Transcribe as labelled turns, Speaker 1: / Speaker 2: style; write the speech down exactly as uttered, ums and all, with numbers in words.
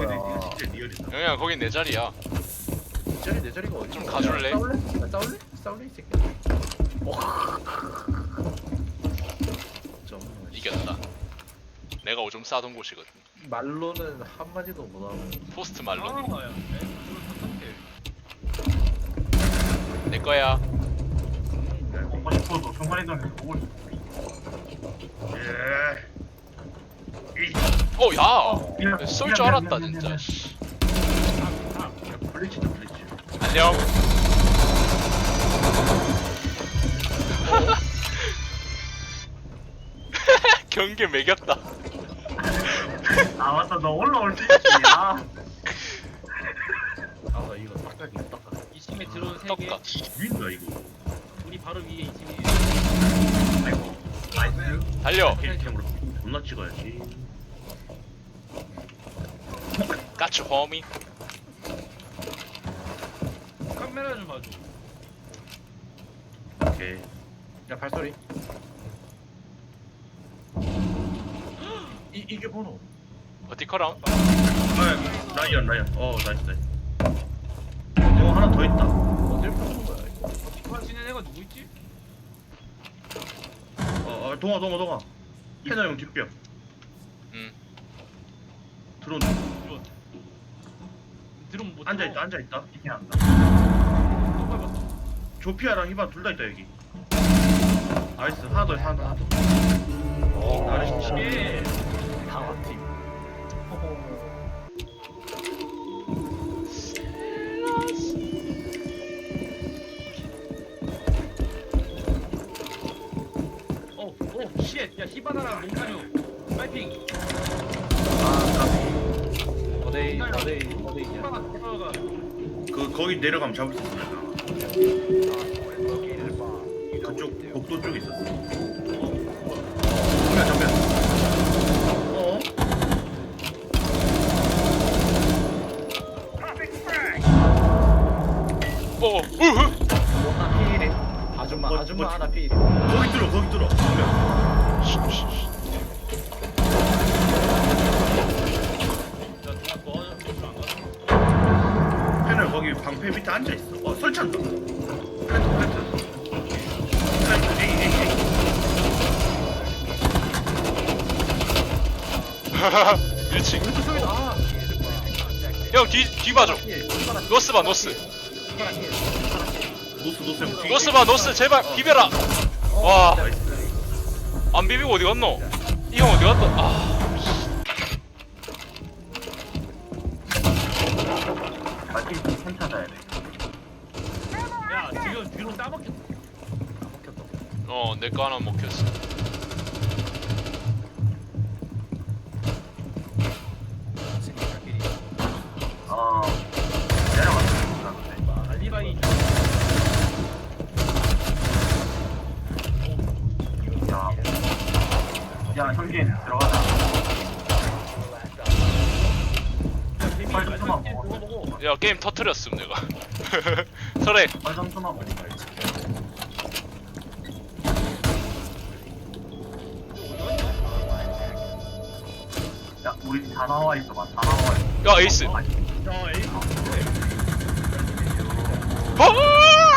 Speaker 1: 거야?
Speaker 2: 이거 진짜 리얼이다.
Speaker 3: 영희야 거긴 내 자리야.
Speaker 1: 내 자리 내 자리가 어디?
Speaker 3: 좀 가줄래?
Speaker 1: 싸울래? 나 싸울래? 싸울래 이 새끼. 좀
Speaker 3: 이겼다. 내가 오줌 싸던 곳이거든.
Speaker 1: 말로는 한 마디도 못 하고.
Speaker 3: 포스트 말로.
Speaker 4: 아, 야,
Speaker 3: 내 거야.
Speaker 5: 먹고 싶어도 순간이동해서 먹을 수
Speaker 2: 예. 이
Speaker 3: 어 야.
Speaker 5: 있어.
Speaker 3: 쏠 줄 알았다 진짜. 씨.
Speaker 2: 야, 블리치다 블리치.
Speaker 3: 안녕. 경계 매겼다.
Speaker 5: 아 맞다 너 올라올 수 있지. 아
Speaker 1: 아나 이거 닦아기 닦아.
Speaker 4: 이 팀에 들어온 세 개.
Speaker 3: 떡가.
Speaker 2: 위인가 이거.
Speaker 4: 우리 바로 위에 이 팀이.
Speaker 5: 아이고 나이스.
Speaker 3: 달려.
Speaker 2: 힐템으로 존나 찍어야지.
Speaker 3: 까치 호미.
Speaker 4: 카메라 좀 봐줘.
Speaker 2: 오케이.
Speaker 1: 야 발소리. 이 이게 번호.
Speaker 3: 버티컬함.
Speaker 2: 아 라이언 라이언. 어 나이스 나이스. 어 하나 더 있다.
Speaker 1: 어딜 부수는 거야 이거?
Speaker 4: 그만 지낸 애가 누구 있지?
Speaker 2: 어, 어 동아 동아 동아. 캐나 형 뒷벽.
Speaker 3: 음.
Speaker 2: 드론.
Speaker 4: 들어온. 들어온 못
Speaker 2: 앉아 있다 앉아 있다.
Speaker 5: 이게 안다.
Speaker 4: 또 밟았어.
Speaker 2: 조피아랑 히반 둘 다 있다 여기. 나이스 하나 더 있어 하나 더.
Speaker 1: 오
Speaker 2: 나이스.
Speaker 4: 예.
Speaker 1: 강화팀.
Speaker 4: 어, 오, 쉣. 야, 히바나랑 몽타뉴. 파이팅.
Speaker 1: 아 까비. 어데이 어데이 어데이냐?
Speaker 4: 히바나 히바나가.
Speaker 2: 그 거기 내려가면 잡을 수 있어 내가. 그쪽 복도 쪽에 있었어. 정면 정면. 어?
Speaker 3: 어. 으흐.
Speaker 1: 하나 피일이. 아줌마
Speaker 2: 뭐,
Speaker 1: 아줌마
Speaker 2: 뭐,
Speaker 1: 하나 피일이.
Speaker 2: 거기 뚫어 거기 뚫어. 정면.
Speaker 4: 야, 누가 너 저안 가?
Speaker 2: 패널 거기 방패 밑에 앉아 있어. 어 설치한다. 플랜트 플랜트. 플랜트 에이 에이 에이.
Speaker 3: 일 층.
Speaker 1: 아.
Speaker 3: 형 뒤 뒤 봐줘.
Speaker 1: 피일.
Speaker 3: 노스 봐 노스.
Speaker 2: 노스 노스 형. 뒤-
Speaker 3: 노스 봐 노스 제발 비벼라. 와.
Speaker 2: 나이스.
Speaker 3: 안 비비고 어디 갔노? 이 형 어디 갔다? 아.
Speaker 5: 마치 펜 찾아야 돼.
Speaker 4: 야, 지금 뒤로 따먹혔어.
Speaker 3: 어 내 거 하나 먹혔어.
Speaker 5: 어 내려갔어.
Speaker 4: 알리바이.
Speaker 5: 야, 야 형님 들어가자. 빨리 좀
Speaker 4: 마지막
Speaker 5: 먹어.
Speaker 4: 그거 보고.
Speaker 3: 야 게임 터트렸음 내가. 설에.
Speaker 5: 빨리 좀 먹어. 야 우리 다 나와 있어 봐. 다 나와 있어.
Speaker 3: 야 에이스.
Speaker 5: 어, 아니,
Speaker 4: 야, 에이.
Speaker 3: 어!